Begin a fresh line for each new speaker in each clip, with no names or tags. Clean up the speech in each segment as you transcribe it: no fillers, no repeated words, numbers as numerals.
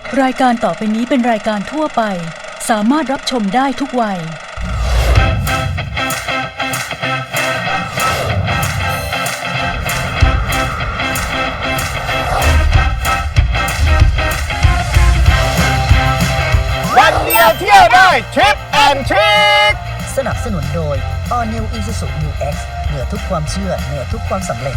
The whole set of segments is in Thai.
รายการต่อไปนี้เป็นรายการทั่วไปสามารถรับชมได้ทุกวัย
วันเดียวเที่ยวได้ทริปแอนทริค
สนับสนุนโดย All New Isuzu New X เหนือทุกความเชื่อเหนือทุกความสำเร็จ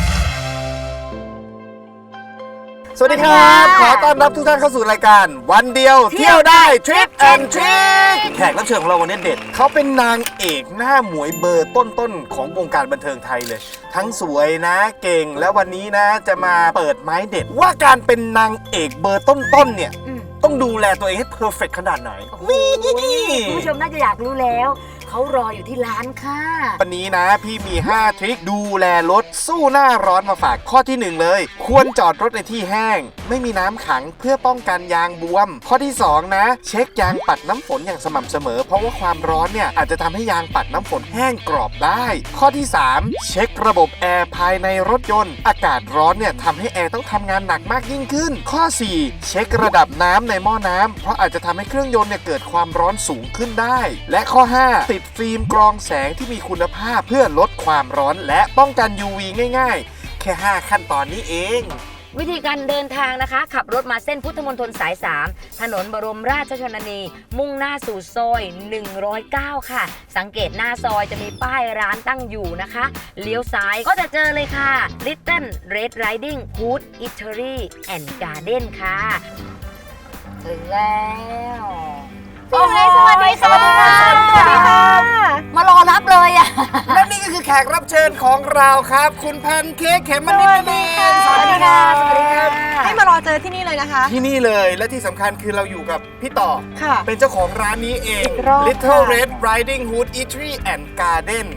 สวัสดีครับขอต้อนรับทุกท่านเข้าสู่รายการวันเดียวเที่ยวได้ทริปแอนทริคแขกรับเชิญของเราวันนี้เด็ดเขาเป็นนางเอกหน้าหมวยเบอร์ต้นๆของวงการบันเทิงไทยเลยทั้งสวยนะเก่งและวันนี้นะจะมาเปิดไม้เด็ดว่าการเป็นนางเอกเบอร์ต้นๆเนี่ยต้องดูแลตัวเองให้เพอร์เฟกต์ขนาดไหน
คุณผู้ชมน่าจะอยากรู้แล้วเขารออยู่ที่ร้านค่ะ
วันนี้นะพี่มี5ทริคดูแลรถสู้หน้าร้อนมาฝากข้อที่1เลยควรจอดรถในที่แห้งไม่มีน้ำขังเพื่อป้องกันยางบวมข้อที่2นะเช็คยางปัดน้ำฝนอย่างสม่ำเสมอเพราะว่าความร้อนเนี่ยอาจจะทำให้ยางปัดน้ำฝนแห้งกรอบได้ข้อที่3เช็คระบบแอร์ภายในรถยนต์อากาศร้อนเนี่ยทำให้แอร์ต้องทำงานหนักมากยิ่งขึ้นข้อ4เช็คระดับน้ำในหม้อน้ำเพราะอาจจะทำให้เครื่องยนต์เนี่ยเกิดความร้อนสูงขึ้นได้และข้อ5ติดฟิล์มกรองแสงที่มีคุณภาพเพื่อลดความร้อนและป้องกัน UV ง่ายๆแค่5ขั้นตอนนี้เอง
วิธีการเดินทางนะคะขับรถมาเส้นพุทธมณฑลสาย3ถนนบรมราชชนนีมุ่งหน้าสู่ซอย109ค่ะสังเกตหน้าซอยจะมีป้ายร้านตั้งอยู่นะคะเลี้ยวซ้ายก็จะเจอเลยค่ะ Little Red Riding Hood Eatery and Garden ค่ะถึงแล้ว
โอ้ยสวัสดีค่ะ
สวัสดีค่ะมารอรับเลยอ่ะ
และนี่ก็คือแขกรับเชิญของเราครับคุณแพนเค้กเขมมณิตนั่นเอง
สวัสดีค่ะสวัสดีค่ะ
ให้มารอเจอที่นี่เลยนะคะ
ที่นี่เลยและที่สำคัญคือเราอยู่กับพี่ต่อ
ค่ะ
เป็นเจ้าของร้านนี้เอง Little Red Riding Hood Eatery and Garden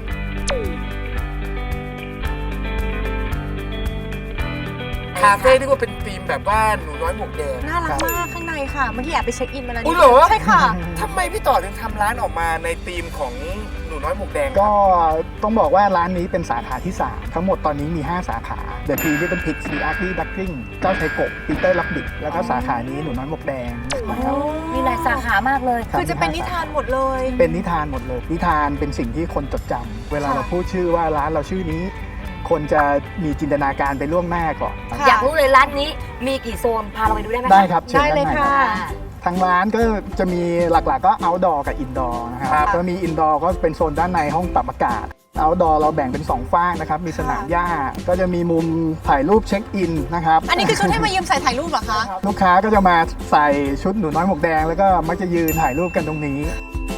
คาเฟ่ที่ว่าเป็นธีมแบบว่าหนูน้อยหมวกแดง
น่ารักมากข้างในค่ะเมื่อกี้แอบไปเช็คอินมาแล้ว
นี่เหรอ
ใช่ค่ะ
ทำไมพี่ต่อถึงทำร้านออกมาในธีมของหนูน้อยหมวกแดง
ก็ต้องบอกว่าร้านนี้เป็นสาขาที่3ทั้งหมดตอนนี้มี5สาขา The Three Little Pigs The Ugly Duckling เจ้าชายกบ Peter Rabbit แล้วก็สาขานี้หนูน้อยหมวกแดงนะครับ
มีหลายสาขามากเลย
คือจะเป็นนิทานหมดเลย
เป็นนิทานหมดเลยนิทานเป็นสิ่งที่คนจดจำเวลาเราพูดชื่อว่าร้านเราชื่อนี้คนจะมีจินตนาการไปล่วงหน้าก่อน
อยากรู้เลยร้านนี้มีกี่โซนพาเราไปดูได้ไหม
ได้ครับเชิญ
ได้เลยค่ะ
ทางร้านก็จะมีหลักๆก็ outdoor กับ indoor นะครับก็มี indoor ก็เป็นโซนด้านในห้องปรับอากาศ outdoor เราแบ่งเป็น2ฝั่งนะครับมีสนามหญ้าก็จะมีมุมถ่ายรูปเช็คอินนะครับ
อันนี้คือชุดให้มายืมใส่ถ่ายรูปเหรอคะ
ลูกค้าก็จะมาใส่ชุดหนูน้อยหมวกแดงแล้วก็มักจะยืนถ่ายรูปกันตรงนี้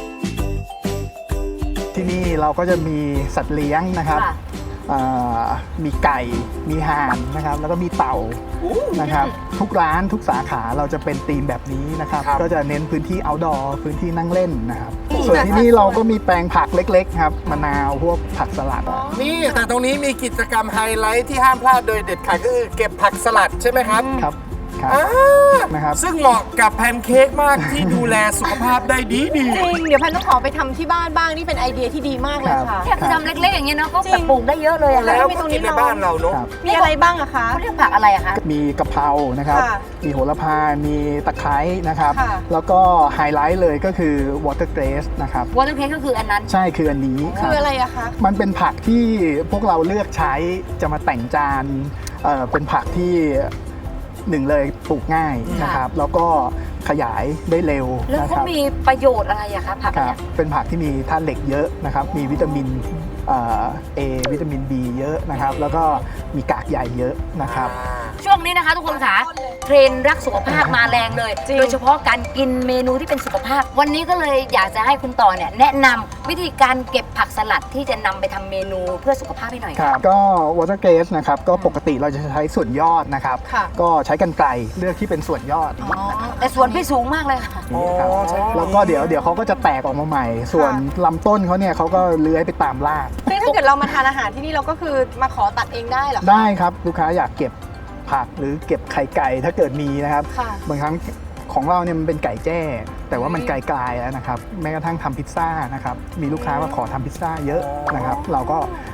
ที่นี่เราก็จะมีสัตว์เลี้ยงนะครับมีไก่มีห่านนะครับแล้วก็มีเต่านะครับทุกร้านทุกสาขาเราจะเป็นธีมแบบนี้นะครับก็จะเน้นพื้นที่ outdoor พื้นที่นั่งเล่นนะครับส่วนที่นี่เราก็มีแปลงผักเล็กๆครับมะนาวพวกผักสลัด
นี่แต่ตรงนี้มีกิจกรรมไฮไลท์ที่ห้ามพลาดโดยเด็ดขาดก็คือเก็บผักสลัดใช่ไหมครับ
ครับ
นะครับซึ่งเหมาะกับแพนเค้กมากที่ดูแลสุขภาพได้ดี
จริงเดี๋ยวแพนต้องขอไปทำที่บ้านบ้างนี่เป็นไอเดียที่ดีมากเลยค่ะ
แค่ทำเล็กๆอย่างเงี้ยเนาะก็ปลูกได้เยอะเลยอะ
แล้วก็กินในบ้านเราเนาะ
มีอะไรบ้างอะคะ
เขาเรียกผักอะไรอะคะ
มีกะเพรานะครับมีโหระพามีตะไคร้นะครับแล้วก็ไฮไลท์เลยก็คือ watercress นะครับ
watercress ก็คืออันนั้น
ใช่คืออันนี้
คืออะไรอะคะ
มันเป็นผักที่พวกเราเลือกใช้จะมาแต่งจานเป็นผักที่หนึ่งเลยปลูกง่ายนะครับแล้วก็ขยายได้เร็ว
แล้วเขามีประโยชน์อะไรอะคะผักเนี่ย
เป็นผักที่มีธาตุเหล็กเยอะนะครับมีวิตามินA วิตามิน B เยอะนะครับแล้วก็มีกากใยเยอะนะครับ
ช่วงนี้นะคะทุกคนค่ะเทรนด์รักสุขภาพมาแรงเลยโดยเฉพาะการกินเมนูที่เป็นสุขภาพวันนี้ก็เลยอยากจะให้คุณต่อเนี่ยแนะนำวิธีการเก็บผักสลัดที่จะนำไปทำเมนูเพื่อสุขภาพให้หน่อย
ครับก็ watercress นะครับก็ปกติเราจะใช้ส่วนยอดนะครับก็ใช้กรรไกรเลือกที่เป็นส่วนยอด
แต่ส่วนพี่สูงมากเลยค่ะ
แล้วก็เดี๋ยวเขาก็จะแตกออกมาใหม่ส่วนลำต้นเขาเนี่ยเขาก็เลื้อยไปตามราก
ซึ่งถ้าเกิดเรามาทานอาหารที่นี่เราก็คือมาขอตัดเองได้เหรอ
ได้ครับลูกค้าอยากเก็บผักหรือเก็บไข่ไก่ถ้าเกิดมีนะครับบางครั้งของเราเนี่ยมันเป็นไก่แจ้แต่ว่ามันไกลๆแล้วนะครับแม้กระทั่งทำพิซซ่านะครับมีลูกค้ามาขอทำพิซซ่าเยอะนะครับเราก็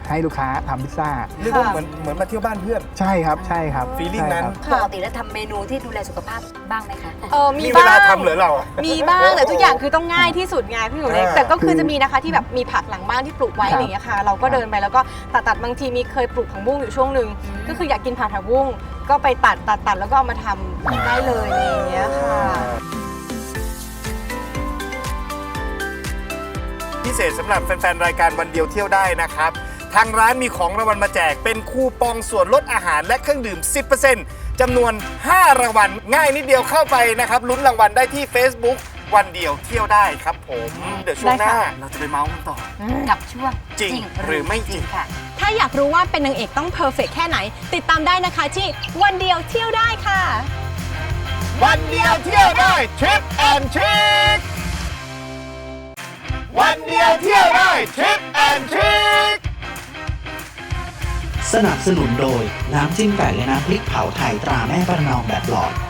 ให้ลูกค้าทำพิซซ่า
เรียกว่าเหมือนมาเที่ยวบ้านเพื่อน
ใช่ครับใช่ครับ
feeling นั้น
ใช่ครับ
ปกติแล้วทำเมนูที่ดูแลสุขภาพบ้างไหมคะ
มี
มีเว
บ้าง
ลาทำเหรอเราอะ
มีบ้างแต่ทุกอย่างคือต้องง่ายที่สุดไงพี่หนูเล็ก
อ่า
แต่ก็คือจะมีนะคะที่แบบมีผักหลังบ้านที่ปลูกไว้
ครับ
อะไรอย่างเงี้ยค่ะ เราก็เดินไปแล้วก็ตัดบางทีมีเคยปลูกผักบุ้งอยู่ช่วงหนึ่งก็คืออยากกินผักบุ้งก็ไปตัดแล้วก็เอามาทำได้เลยอะไรอย่างเงี้ยค่ะ
พิเศษสำหรับแฟนๆ รายการวันเดียวเที่ยวได้นะครับ ทางร้านมีของรางวัลมาแจกเป็นคูปองส่วนลดอาหารและเครื่องดื่ม 10% จำนวน 5 รางวัล ง่ายนิดเดียวเข้าไปนะครับลุ้นรางวัลได้ที่ Facebook วันเดียวเที่ยวได้ครับผม เดี๋ยวช่วงหน้า
ได้ค่ะ
เราจะไปเมาส์กันต่อ
กับช่วง
จริงหรือไม่จริง
ค่ะ
ถ้าอยากรู้ว่าเป็นนางเอกต้องเพอร์เฟกแค่ไหน ติดตามได้นะคะที่วันเดียวเที่ยวได้ค่ะ
วันเดียวเที่ยวได้ทริปแอนทริควันเดียวเที่ยวได้ทริปแอนทริค
สนับสนุนโดย น้ำจิ้มไก่และน้ำพริกเผาไทยตราแม่ประนอมแบบหลอด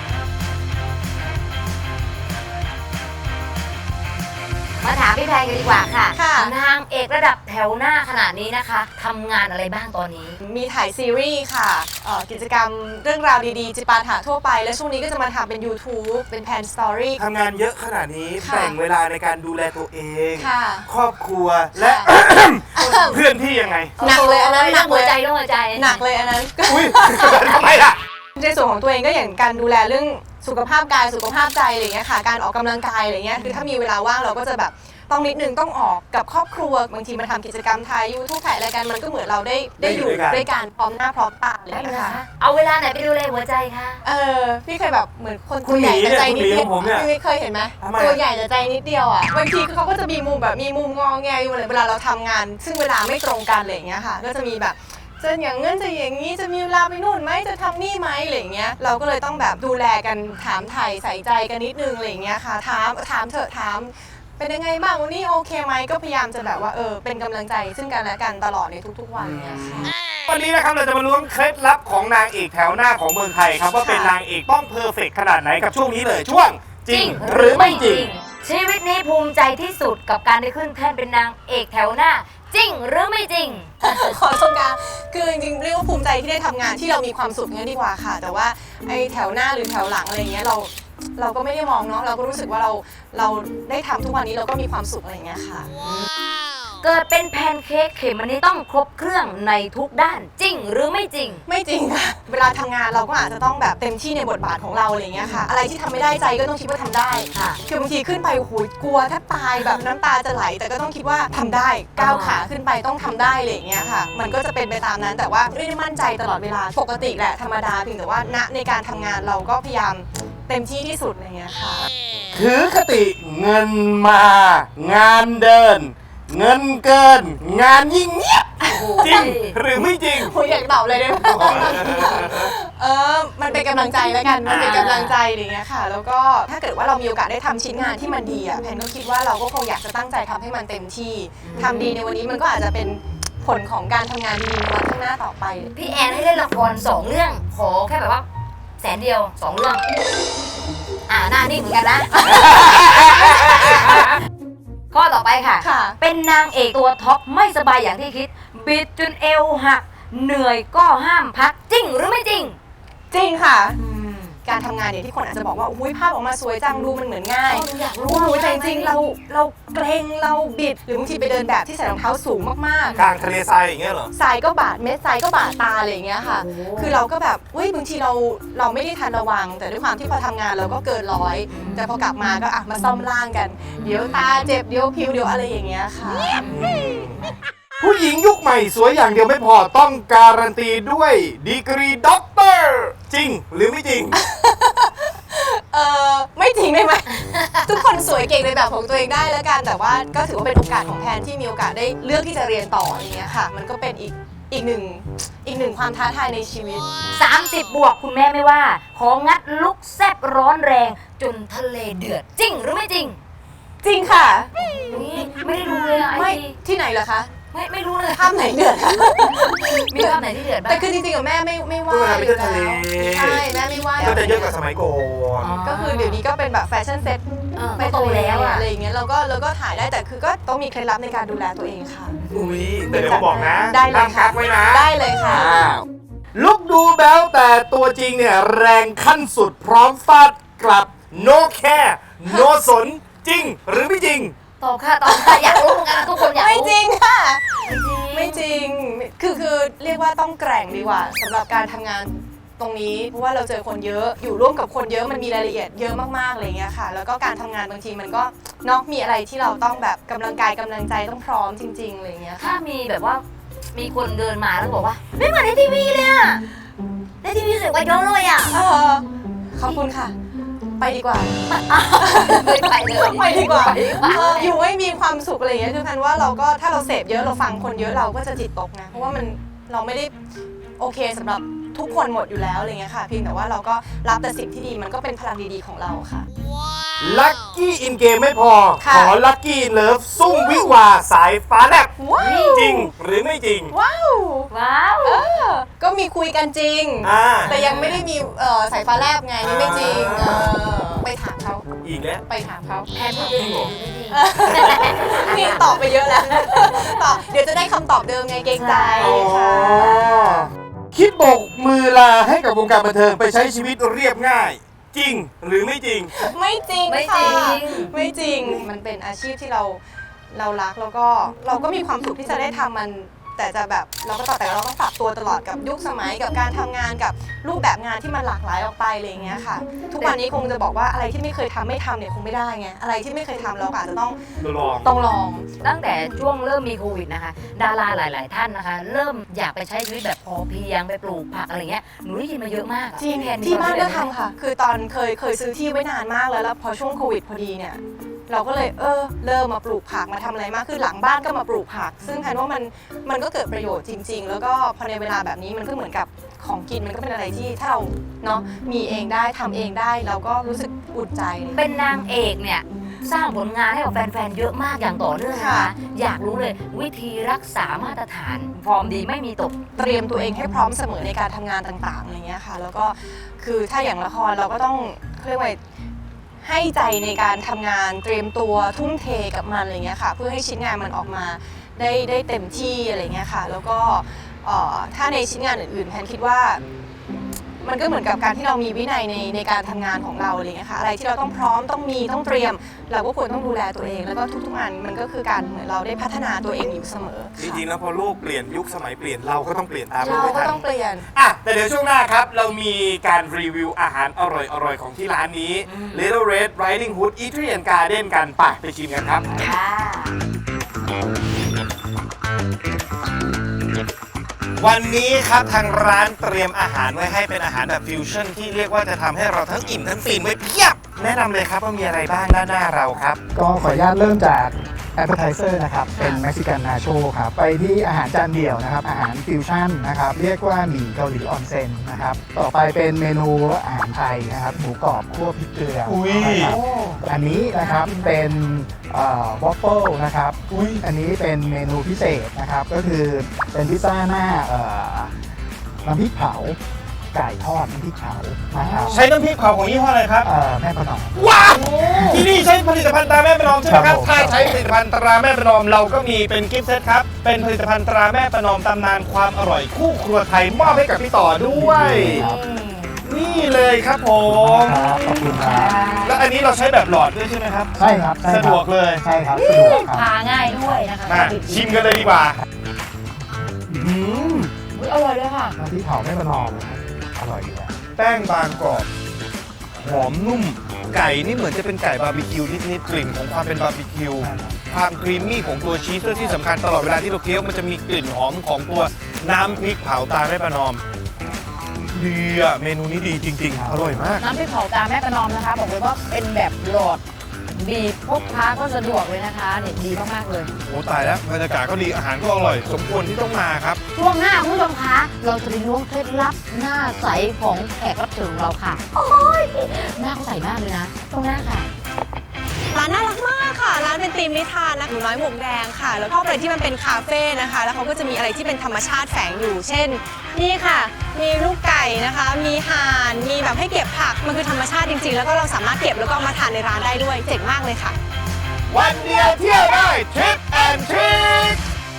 มาถามพี่แพงกันดีกว่าค่ะ
ค่ะ
นางเอกระดับแถวหน้าขนาดนี้นะคะทำงานอะไรบ้างตอนนี้
มีถ่ายซีรีส์ค่ะกิจกรรมเรื่องราวดีๆ จิปาถะทั่วไป และช่วงนี้ก็จะมาทำเป็น YouTube เป็นแพนสตอรี่
ทำงานเยอะขนาดนี้
ค่ะ
แบ่งเวลาในการดูแลตัวเอง
ค่ะ
ครอบครัวและ เพื่อนที่ยังไง
หนักเลยอันนั้นหนัก
หั
เล
วย ใจต้องหัวใจ
หนักเลยอันนั้น
อุ้ย ทำไมล่ะ
ในส่วนของตัวเองก็อย่างการดูแลเรื่องสุขภาพกายสุขภาพใจอะไรอย่างเงี้ยค่ะการออกกำลังกายอะไรเงี้ยคือถ้ามีเวลาว่างเราก็จะแบบต้องนิดนึงต้องออกกับครอบครัวบางทีมาทำกิจกรรมถ่ายยูทูบถ่ายรายการมันก็เหมือนเราได้อยู่ด้วยกันพร้อมหน้าพร้อมตาเลยนะคะ
เอาเวลาไหนไปดูแลหัวใจคะ
พี่เคยแบบเหมือนคน
คุณ
ตัวใหญ่
หมี
แต่ใจนิด
เนี่ย
เดียว
คุณหมีของผมเนี่ย
พี่เคยเห็นไหม
ทำไม
ตัวใหญ่แต่ใจนิดเดียวอ่ะบางทีเขาก็จะมีมุมแบบมีมุมงอแงอยู่เลยเวลาเราทำงาน ซึ่งเวลาไม่ตรงกันอะไรอย่างเงี้ยค่ะก็จะมีแบบจะอย่างงั้นจะอย่างนี้จะมีเวลาไปนู่นไหมจะทำนี่ไหมอะไรอย่างเงี้ยเราก็เลยต้องแบบดูแลกันถามไถ่ใส่ใจกันนิดนึงอะไรอย่างเงี้ยค่ะถามเถอะถามเป็นยังไงบ้างวันนี้โอเคไหมก็พยายามจะแบบว่าเป็นกำลังใจซึ่งกันและกันตลอดในทุกๆวันเนี่ยค่ะ
วันนี้นะครับเราจะมาล้วงเคล็ดลับของนางเอกแถวหน้าของเมืองไทยครับว่าเป็นนางเอกต้องเพอร์เฟกต์ขนาดไหนกับช่วงนี้เลยช่วงจริงหรือไม่จริง
ชีวิตนี้ภูมิใจที่สุดกับการได้ขึ้นแท่นเป็นนางเอกแถวหน้า จริงหรือไม่จริง
ขอชมการคือจริงๆเรียกว่าภูมิใจที่ได้ทำงานที่เรามีความสุขงั้นดีกว่าค่ะ แต่ว่าไอ้แถวหน้าหรือแถวหลังอะไรเงี้ยเราก็ไม่ได้มองเนาะเราก็รู้สึกว่าเราได้ทำทุกวันนี้เราก็มีความสุขอะไรเงี้ยค่ะ
เกิดเป็นแพนเค้กเขมมันนี้ต้องครบเครื่องในทุกด้านจริงหรือไม่จริง
ไม่จริงค่ะ เวลาทำงานเราก็อาจจะต้องแบบเต็มที่ในบทบาทของเราอะไรเงี้ยค่ะ อะไรที่ทำไม่ได้ใจก็ต้องคิดว่าทำได้
ค่ะ
คือบางทีขึ้นไปโอ้โหกลัวแทบตายแบบน้ำตาจะไหล แต่ก็ต้องคิดว่าทำได้ก้าวขาขึ้นไปต้องทำได้อะไรเงี้ยค่ะ มันก็จะเป็นไปตามนั้นแต่ว่าไม่ได้มั่นใจตลอดเวลาปกติแหละธรรมดาเพียงแต่ว่าณในการทำงานเราก็พยายามเต็มที่ที่สุดอะไรเงี้ยค่ะ
ถือคติเงินมา งานเดิน เงินเกิน งานยิ่งเงียบจริงหรือไม่จริง
ผมอยากตอบเลยได้ไหม มันเป็นกำลังใจแล้วกัน มันเป็นกำลังใจอะไรเงี้ยค่ะ แล้วก็ถ้าเกิดว่าเรามีโอกาสได้ทำชิ้นงานที่มันดีอ่ะแพนก็คิดว่าเราก็คงอยากจะตั้งใจทำให้มันเต็มที่ทำดีในวันนี้มันก็อาจจะเป็นผลของการทำงานดีๆในวันข้างหน้าต่อไป
พี่แอนให้เล่นละคร2 เรื่องขอแค่แบบว่า100,000 2 เรื่องหน้านิ่งเหมือนกันนะ ข้อต่อไปค่ะ
ค่ะ
เป็นนางเอกตัวท็อปไม่สบายอย่างที่คิด บิดจนเอวหัก เหนื่อยก็ห้ามพักจริงหรือไม่จริง
จริงค่ะ การทำงานเนี่ยที่คนอาจจะบอกว่าอุ้ยภาพออกมาสวยจังดูมันเหมือนง่าย
อยากรู้
โอ้ยแต่จริงๆเราเกรงเราบิดหรือบางทีไปเดินแบบที่ใส่รองเท้าสูงมากๆ
กลางทะเลทรายอย่างเงี้ยเหรอ
ทรายก็บาดเม็ดทรายก็บาดตาอะไรอย่างเงี้ยค่ะ คือเราก็แบบบางทีเราไม่ได้ทันระวัง แต่ด้วยความที่พอทำงานเราก็เกินร้อยแต่พอกลับมาก็มาซ่อมร่างกัน เดี๋ยวตาเจ็บเดี๋ยวผิวเดี๋ยวอะไรอย่างเงี้ยค่ะ
ผู้หญิงยุคใหม่สวยอย่างเดียวไม่พอต้องการันตีด้วยดีกรีด็อกเตอร์จริงหรือไม่จริง
ไม่จริงได้ไหม ทุกคนสวยเก่งในแบบของตัวเองได้แล้วกัน แต่ว่าก็ถือว่าเป็นโอกาสของแพนที่มีโอกาสได้เลือกที่จะเรียนต่ออย่างเงี้ยค่ะ มันก็เป็นอีกหนึ่งความท้าทายในชีวิต
30 บวกคุณแม่ไม่ว่า ของงัดลุกแซบร้อนแรง จนทะเลเดือดจริงหรือไม่จริง
จริงค่ะ
ไม่ได้ดูเลยอะ
ไม่
ไอจี
ที่ไหนเหรอคะ
ไม่รู้เลย
ภาพไหนเดือด
มีภาพไหนที่เดือดบ้าง
แต่คือจริงๆกับแม่ไม่ว่า
ไม่เที่ยวทะเล
ใช่แม่ไม่ว่า
ก็จะเยอะกว่าสมัยก่อน
ก็คือเดี๋ยวนี้ก็เป็นแบบแฟชั่นเซ็ต
ไม่โตแล้วอะ
อะไรอย่างเงี้ยเราก็ถ่ายได้แต่คือก็ต้องมีเคล็ดลับในการดูแลตัวเองค่ะ
อุ้ยแต่เดี๋ยวมาบอกนะ
ได้เลย
ห้าม
ค่ะ
กักไว้นะ
ได้เลยค่ะ
ลุกดูแบ๊วแต่ตัวจริงเนี่ยแรงขั้นสุดพร้อมฟาดกลับ no care no สนจริงหรือไม่จริง
ตอบค่ะอยากรู้เหมือนกันทุกคนอยาก
ไม่
รู้
จริงค่ะ
ไม่
ไม่
จ
จ
ริง
ริงคือเรียกว่าต้องแกร่งดีกว่าสำหรับการทำงานตรงนี้เพราะว่าเราเจอคนเยอะอยู่ร่วมกับคนเยอะมันมีรายละเอียดเยอะมากๆอะไรเงี้ยค่ะ แล้วก็การทำงานบางทีมันก็เนอกมีอะไรที่เราต้องแบบกำลังกายกำลังใจต้องพร้อมจริงๆอะไรเงี้ย
ถ้า
ค่ะ
มีแบบว่ามีคนเดินมาแล้วบอกว่าไม่เหมือนในทีวีเลยอะในทีวีสวยกว่าเยอะเลยอะ
ขอบคุณค่ะ ไปดีกว่า
ไม่ไปเลย
ไปดีกว่า
ไปดีกว่า
อยู่ให้มีความสุขอะไรอย่างเงี้ยคือพันว่าเราก็ถ้าเราเสพเยอะเราฟังคนเยอะเราก็จะจิตตกนะเพราะว่ามันเราไม่ได้โอเคสำหรับทุกคนหมดอยู่แล้วอะไรเงี้ยค่ะเพียงแต่ว่าเราก็รับแต่สิ่งที่ดีมันก็เป็นพลังดีๆของเราค่ะ
ลัคกี้อินเกมไม่พอ
ค่ะ
ขอลัคกี้เลิฟซุ่มวิวาสายฟ้าแลบ
ว้าว
จริงหรือไม่จริง
ว้าว
ว้าว
ก็มีคุยกันจริง
อ่า
แต่ยังไม่ได้มีสายฟ้าแลบไงนี่ไม่จริงไปถามเขา
อีกแล้ว
ไปถามเขา
แทนพูดเอง
นี่ตอบไปเยอะแล้วตอบเดี๋ยวจะได้คำตอบเดิมไงเกรงใจค่ะ
คิดโบกมือลาให้กับวงการบันเทิงไปใช้ชีวิตเรียบง่าย จริงหรือไม่จริง
ไม่จริง
ไม่จ
ค่ะ
ริง
ไม่จริงมันเป็นอาชีพที่เรารักแล้วก็เราก็มีความสุขที่จะได้ทำมัน แต่จะแบบเราก็แต่เราต้องปรับตัวตลอดกับยุคสมัยกับการทำงานกับรูปแบบงานที่มันหลากหลายออกไปอะไรอย่างเงี้ยค่ะ ทุกวันนี้คงจะบอกว่าอะไรที่ไม่เคยทำไม่ทำเนี่ยคงไม่ได้ไงอะไรที่ไม่เคยทำเราก็อาจจะต้องลอง
ตั้งแต่ช่วงเริ่มมีโควิดนะคะ ดาราหลาย ๆ ท่านนะคะ เริ่มอยากไปใช้ชีวิตแบบพอเพียงไปปลูกผักอะไรเงี้ยหนูได้ยินมาเยอะมาก
จริง
แทน
ที่บ้านก็
มีควม
ทำค่ะ คือตอนเคยซื้อที่ไว้นานมากแล้วพอช่วงโควิดพอดีเนี่ยเราก็เลยเริ่มมาปลูกผักมาทำอะไรมากคือหลังบ้านก็มาปลูกผัก ซึ่งแพนว่ามันก็เกิดประโยชน์จริง ๆ แล้วก็พอในเวลาแบบนี้มันก็เหมือนกับของกินมันก็เป็นอะไรที่ถ้าเราเนาะมีเองได้ทำเองได้เราก็รู้สึกอุ่นใจเลย
เป็นนางเอกเนี่ยสร้างผลงานให้กับแฟน ๆ เยอะมากอย่างต่อเนื่องนะคะ
ค่ะ
อยากรู้เลยวิธีรักษามาตรฐานฟอร์มดีไม่มีตก
เตรียมตัวเองให้พร้อมเสมอในการทำงานต่างๆอะไรเงี้ยค่ะ แล้วก็คือถ้าอย่างละครเราก็ต้องเรียกว่าให้ใจในการทำงานเตรียมตัวทุ่มเทกับมันอะไรเงี้ยค่ะ เพื่อให้ชิ้นงานมันออกมาได้เต็มที่อะไรเงี้ยค่ะ แล้วก็ถ้าในชิ้นงานอื่นๆแพนคิดว่า มันก็เหมือนกับการที่เรามีวินัยในการทำงานของเราอะไรเงี้ยค่ะอะไรที่เราต้องพร้อมต้องมีต้องเตรียม เราก็ควรต้องดูแลตัวเอง แล้วก็ทุกๆงานมันก็คือการเหมือนเราได้พัฒนาตัวเองอยู่เสมอ
จริงๆแล้วพอโลกเปลี่ยนยุคสมัยเปลี่ยนเราก็ต้องเปลี่ยนตาม
เรา
ไม่
ก็
ทัน
ต้องเปลี่ยน
อ่ะแต่เดี๋ยวช่วงหน้าครับ เรามีการรีวิวอาหารอร่อยๆของที่ร้านนี้ Little Red Riding Hood Eatery and Garden กันไปชิมกันครับ วันนี้ครับทางร้านเตรียมอาหารไว้ให้เป็นอาหารแบบฟิวชั่นที่เรียกว่าจะทำให้เราทั้งอิ่มทั้งฟินไว้เพียบ แนะนำเลยครับว่ามีอะไรบ้างด้านหน้าเราครับ
ก็ขออนุญาตเริ่มจาก appetizer นะครับ เป็นเม็กซิกันนาโชครับ ไปที่อาหารจานเดี่ยวนะครับ อาหารฟิวชั่นนะครับ เรียกว่าหมี่เกาหลีออนเซ็นนะครับ ต่อไปเป็นเมนูอาหารไทยนะครับ หมูกรอบคั่วพริกเกลือ
อุ๊ย
นะครับอันนี้นะครับเป็นวอฟเฟิลนะครับ อันนี้เป็นเมนูพิเศษนะครับ ก็คือเป็นพิซซ่าหน้าน้ำพริกเผา ไก่ทอดน้ำพริกเผานะครับ
ใช้น้ำพริกเผาของยี่ห้ออะไรครับ
แม่ประนอม
ว้าวที่นี่ใช้ผลิตภัณฑ์ตราแม่ประนอมใช่ไหมครับ
ครับผม
ถ้าใช้ผลิตภัณฑ์ตราแม่ประนอมเราก็มีเป็นกิฟต์เซตครับ เป็นผลิตภัณฑ์ตราแม่ประนอมตำนานความอร่อยคู่ครัวไทยมอบให้กับพี่ต่อด้วย
ครับ
นี่เลยครับผม
ครับขอบคุณครับ
แล้วอันนี้เราใช้แบบหลอดด้วยใช่ไหมครับ
ใช่ครับใช่ครับ
สะดวกเลย
ใช่ครับสะดวกครับ
ทาง่ายด้วยนะคะ
มาชิมกันเลยดีกว่า
อุ๊ยอร่อยเลยค่ะ
น้ำพริกเผาแม่ประนอมนะครับอร่อยอยู่แล้ว
แป้งบางกรอบหอมนุ่ม ไก่นี่เหมือนจะเป็นไก่บาร์บีคิวนิดๆกลิ่นของความเป็นบาร์บีคิวความครีมมี่ของตัวชีสและที่สำคัญตลอดเวลาที่เราเคี้ยวมันจะมีกลิ่นหอมของตัวน้ำพริกเผาตาแม่ประนอมดีอะเมนูนี้ดีจริงๆ อร่อยมาก
น้ำพริกเผาตาแม่ประนอมนะคะ บอกเลยว่าเป็นแบบหลอดบีบพกพาก็สะดวกเลยนะคะเนี่ยดีมากๆเลย
โอ้ตายแล้วบรรยากาศก็ดีอาหารก็อร่อย สมควรที่ต้องมาครับ
ช่วงหน้าคุณผู้ชมคะเราจะไปล้วงเคล็ดลับหน้าใสของแขกรับเชิญของเราค่ะ โอ้ยหน้าเขาใสมากเลยนะช่วงหน้าค่ะ
ร้านน่ารักมากค่ะ ร้านเป็นธีมนิทานนะหนูน้อยหมวกแดงค่ะ แล้วชอบอะไรที่มันเป็นคาเฟ่นะคะ แล้วเขาก็จะมีอะไรที่เป็นธรรมชาติแฝงอยู่ เช่น นี่ค่ะ มีลูกไก่นะคะ มีห่าน มีแบบให้เก็บผัก มันคือธรรมชาติจริงๆ แล้วก็เราสามารถเก็บแล้วก็เอามาทานในร้านได้ด้วย เจ๋งมากเลยค่ะ
วันเดียวเที่ยวได้ทริปแอนทริค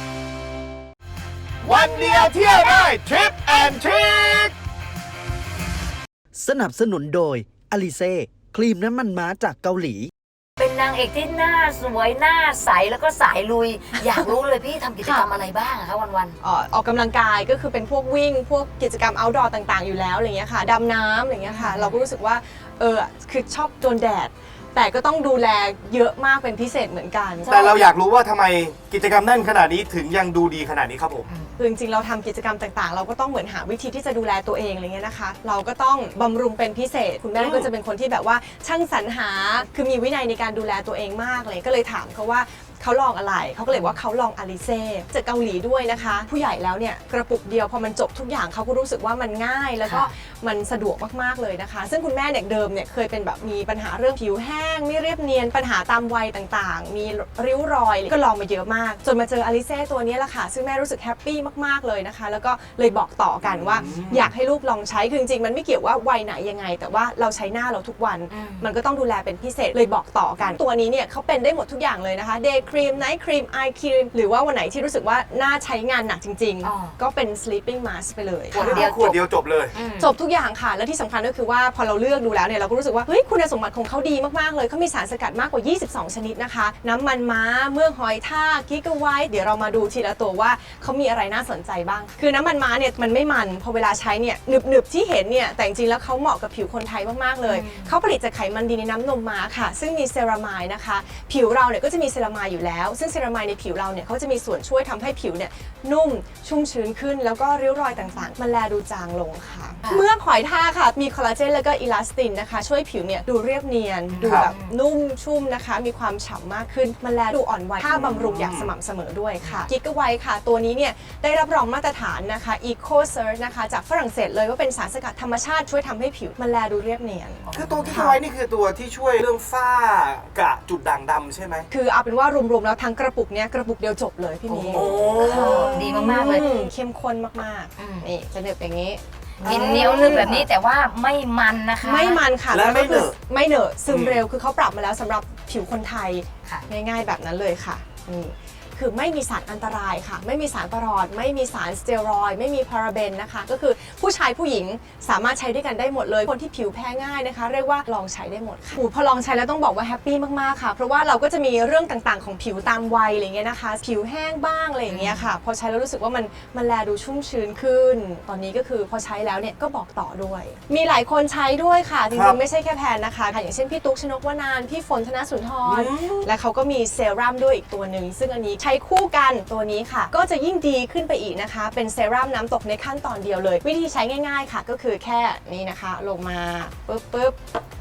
วันเดียวเที่ยวได้ทริปแอนทริค
สนับสนุนโดยอลิเซ่ครีมน้ำมันม้าจากเกาหลี
เป็นนางเอกที่หน้าสวยหน้าใสแล้วก็สายลุย อยากรู้เลยพี่ทำกิจกรรมอะไรบ้างอะคะวัน
ออกกำลังกายก็คือเป็นพวกวิ่ง พวกกิจกรรม outdoor ต่างๆ อยู่แล้วอะไรเงี้ยค่ะดำน้ำอะไรเงี้ยค่ะ เราก็รู้สึกว่าคือชอบโดนแดด แต่ก็ต้องดูแลเยอะมากเป็นพิเศษเหมือนกัน
แต่เราอยากรู้ว่าทำไมกิจกรรมแน่นขนาดนี้ถึงยังดูดีขนาดนี้ครับผม
คือจริงๆเราทำกิจกรรมต่างๆ เราก็ต้องเหมือนหาวิธีที่จะดูแลตัวเองอะไรเงี้ยนะคะ เราก็ต้องบำรุงเป็นพิเศษ คุณแม่ก็จะเป็นคนที่แบบว่าช่างสรรหาคือมีวินัยในการดูแลตัวเองมากเลยก็เลยถามเขาว่าเขาลองอะไรเขาก็เลยว่าเขาลองอลิเซ่จากเกาหลีด้วยนะคะ ผู้ใหญ่แล้วเนี่ยกระปุกเดียวพอมันจบทุกอย่างเขาก็รู้สึกว่ามันง่ายแล้วก็มันสะดวกมากๆเลยนะคะ ซึ่งคุณแม่เนี่ยเดิมเนี่ยเคยเป็นแบบมีปัญหาเรื่องผิวแห้งไม่เรียบเนียนปัญหาตามวัยต่างๆ มีริ้วรอยก็ลองมาเยอะมากจนมาเจออลิเซ่ตัวนี้แหละค่ะซึ่งแม่รู้สึกแฮปปี้มากๆเลยนะคะแล้วก็เลยบอกต่อกันว่าอยากให้ลูกลองใช้คือจริงๆมันไม่เกี่ยวว่าวัยไหนยังไงแต่ว่าเราใช้หน้าเราทุกวันมันก็ต้องดูแลเป็นพิเศษเลยบอกต่อกันตัวนี้เนี่ยเขาเป็นได้หมดทุกอย่างเลยนะคะ Day Cream Night Cream Eye Cream หรือว่าวันไหนที่รู้สึกว่าหน้าใช้งานหนักจริงๆก็เป็น Sleeping Mask ไปเลย
ขวดเดียวจบเลย
จบทุกอย่างค่ะและที่สำคัญก็คือว่าพอเราเลือกดูแล้วเนี่ยเราก็รู้สึกว่าเฮ้ยคุณสมบัติของเขาดีมากๆเลยเขามีสารสกัดมากกว่า22ชนิดนะคะน้ำมันม้าเมือกหอยทากกิกะไวท์เดี๋ยวเรามาดูทีละตัวว่าเขามีอะไรน่าสนใจบ้างคือน้ำมันม้าเนี่ยมันไม่มันพอเวลาใช้เนี่ยหนึบๆที่เห็นเนี่ยแต่จริงๆแล้วเขาเหมาะกับผิวคนไทยมากๆเลยเขาผลิตจากไขมันดีในน้ำนมม้าค่ะซึ่งมีเซรามายนะคะผิวเราเนี่ยก็จะมีเซรามายอยู่แล้วซึ่งเซรามายในผิวเราเนี่ยเขาจะมีส่วนช่วยทำให้ผิวเนี่ยนุ่มชุ่มชื้นขึ้นแล้วก็ริ้วรอยต่างๆมันแลดูจางลงค่ะเมือกหอยทากค่ะมีคอลลาเจนแล้วก็อิลาสตินนะคะช่วยผิวเนี่ยดูเรียบเนียนดูแบบนุ่มชุ่มนะคะมีความฉ่ำมากขึ้นมันแลดูอ่อนวัยค่าบำรุงอย่างสม่ำเสมอด้วยค่ะกิกะไวท์ค่ะตัวนี้เนี่ยได้รับรองมาตรฐานนะคะ Eco Search นะคะจากฝรั่งเศสเลยว่าเป็นสารสกัดธรรมชาติช่วยทำให้ผิวมันแลดูเรียบเนียน
คือตัวกิกะไวท์นี่คือตัวที่ช่วยเรื่องฝ้ากระจุดด่างดำใช่ไหม
คือเอาเป็นว่ารวมๆแล้วทั้งกระปุกเนี้ยกระปุกเดียวจบเลยพี่มี
ๆดีมากๆเลย
เข้มข้นมากๆนี่จะเด็บอย่างนี้
กินเหนียวนึบแบบนี้แต่ว่าไม่มันนะคะ
ไม่มันค่ะ
และไม่เหนอะ
ไม่เหนอะซึมเร็วคือเขาปรับมาแล้วสำหรับผิวคนไทย
ค่ะ
ง่ายๆแบบนั้นเลยค่ะนี่คือไม่มีสารอันตรายค่ะไม่มีสารประหลอดไม่มีสารสเตียรอยด์ไม่มีพาราเบนนะคะก็คือผู้ชายผู้หญิงสามารถใช้ด้วยกันได้หมดเลยคนที่ผิวแพ้ง่ายนะคะเรียกว่าลองใช้ได้หมดค่ะพอลองใช้แล้วต้องบอกว่าแฮปปี้มากๆค่ะเพราะว่าเราก็จะมีเรื่องต่างๆของผิวตามวัยอะไรเงี้ยนะคะผิวแห้งบ้างอะไรอย่างเงี้ยค่ะพอใช้แล้วรู้สึกว่ามันแลดูชุ่มชื้นขึ้น ตอนนี้ก็คือพอใช้แล้วเนี่ยก็บอกต่อด้วย มีหลายคนใช้ด้วยค่ะจริงๆไม่ใช่แค่แพนนะคะอย่างเช่นพี่ตุ๊กชนกวนานพี่ฝนธนสุนทรและเขาก็มีเซรั่มด้วยอีกตัวหนึ่งซึ่งอันนี้ใช้คู่กันตัวนี้ค่ะก็จะยิ่งดีขึ้นไปอีกนะคะเป็นเซรั่มน้ำตกในขั้นตอนเดียวเลยวิธีใช้ง่ายๆค่ะก็คือแค่นี้นะคะลงมาปึ๊บ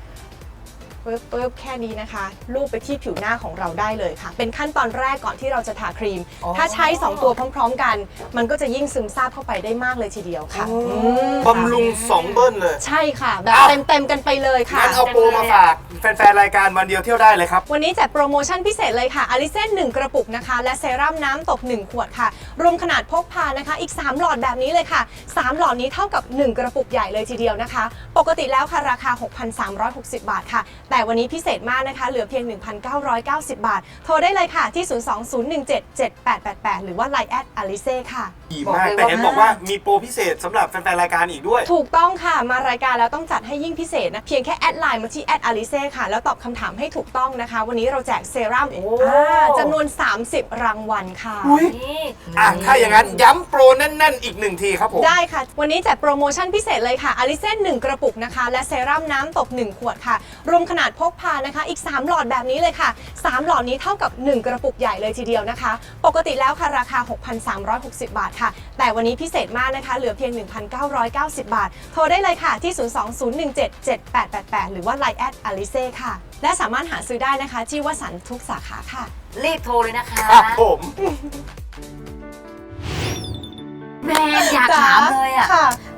แค่นี้นะคะลูบไปที่ผิวหน้าของเราได้เลยค่ะเป็นขั้นตอนแรกก่อนที่เราจะทาครีมถ้าใช้2ตัวพร้อมๆกันมันก็จะยิ่งซึมซาบเข้าไปได้มากเลยทีเดียวค่ะ
บำรุง2 เบิ้ลเลย
ใช่ค่ะแบบเต็มกันไปเลยค่ะ
งั้นเอาโปรมาฝากแฟนๆรายการวันเดียวเที่ยวได้เลยครับ
วันนี้จัดโปรโมชั่นพิเศษเลยค่ะอลิเซ่1กระปุกนะคะและเซรั่มน้ำตก1ขวดค่ะรวมขนาดพกพานะคะอีก3หลอดแบบนี้เลยค่ะ3หลอดนี้เท่ากับ1กระปุกใหญ่เลยทีเดียวนะคะปกติแล้วค่ะราคา 6,360 บาทค่ะแต่วันนี้พิเศษมากนะคะเหลือเพียง 1,990 บาทโทรได้เลยค่ะที่ 020177888 หรือว่า Line @alice ค่ะ
ดีมากแต่เห็นบอกว่ามีโปรพิเศษสำหรับแฟนๆรายการอีกด้วย
ถูกต้องค่ะมารายการแล้วต้องจัดให้ยิ่งพิเศษนะเพียงแค่แอดไลน์มาที่@alice ค่ะแล้วตอบคำถามให้ถูกต้องนะคะวันนี้เราแจกเซรั่มจำนวน30รางวัลค่ะ
ถ้าอย่างนั้นย้ำโปรแน่นๆอีก1ทีครับผม
ได้ค่ะวันนี้จัดโปรโมชั่นพิเศษเลยค่ะอลิเซ่1กระปุกนะคะและเซรั่มน้ำตก1ขวดค่ะรวมขนาดพกพานะคะอีก3หลอดแบบนี้เลยค่ะ3หลอดนี้เท่ากับ1กระปุกใหญ่เลยทีเดียวนะคะปกติแล้วค่ะราคา 6,360 บาทค่ะแต่วันนี้พิเศษมากนะคะเหลือเพียง 1,990 บาทโทรได้เลยค่ะที่ 020177888 หรือว่า Line @alice ค่ะและสามารถหาซื้อได้นะคะที่วสันต์ทุกสาขาค่ะ
รีบโทรเลยนะคะ
ครับผม
แม่อยากถามเลยอ่ะ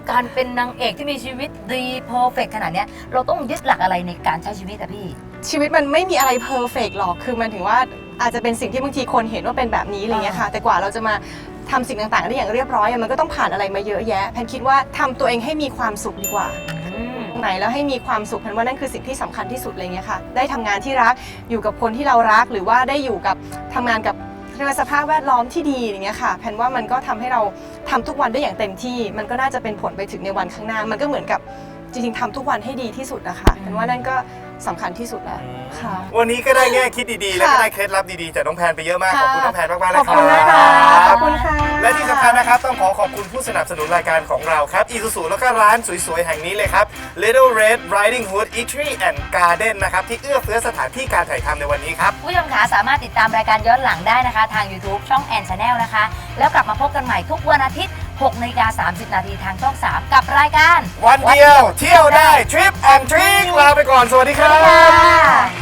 การเป็นนางเอกที่มีชีวิตดีเพอร์เฟกขนาดเนี้ยเราต้องยึดหลักอะไรในการใช้ชีวิตอะพี่
ชีวิตมันไม่มีอะไรเพอร์เฟกหรอกคือมันถึงว่าอาจจะเป็นสิ่งที่บางทีคนเห็นว่าเป็นแบบนี้อะไรเงี้ยค่ะแต่กว่าเราจะมาทำสิ่งต่างๆได้อย่างเรียบร้อยมันก็ต้องผ่านอะไรมาเยอะแยะแพนคิดว่าทำตัวเองให้มีความสุขดีกว่าไหนแล้วให้มีความสุขแพนว่านั่นคือสิ่งที่สำคัญที่สุดอะไรเงี้ยค่ะได้ทำงานที่รักอยู่กับคนที่เรารักหรือว่าได้อยู่กับทำงานกับสภาพแวดล้อมที่ดีอย่างเงี้ยค่ะแพนว่ามันก็ทำให้เราทำทุกวันได้อย่างเต็มที่มันก็น่าจะเป็นผลไปถึงในวันข้างหน้ามันก็เหมือนกับจริงๆทำทุกวันให้ดีที่สุดนะคะแพนว่านั่นก็สำคัญที่สุดแล้วค่ะ
วันนี้ก็ได้แง่คิดดีๆ และก็ได้เคล็ดลับดีๆจากน้องแพนไปเยอะมาก ขอบคุณน้องแพนมากๆเลย
ขอบ
ครั
คุณนะคะ
บ
ขอบคุณค่ะ
และที่สำคัญนะครับต้องขอบคุณผู้สนับสนุนรายการของเราครับ Isuzu แล้วก็ร้านสวยๆ แห่งนี้เลยครับ Little Red Riding Hood Eatery and Garden นะครับที่เอื้อเฟื้อสถานที่การถ่ายทำในวันนี้ครับ
ผู้ชมขาสามารถติดตามรายการย้อนหลังได้นะคะ ทาง YouTube ช่องแอนชาแนลนะคะ แล้วกลับมาพบกันใหม่ทุกวันอาทิตย์ 6:30 น.ทางช่อง 3 กับรายการ
วันเดียวเที่ยวได้ Trip and Trick ลาไปก่อน สวัสดีครั
สวัสดีค่ะ
บ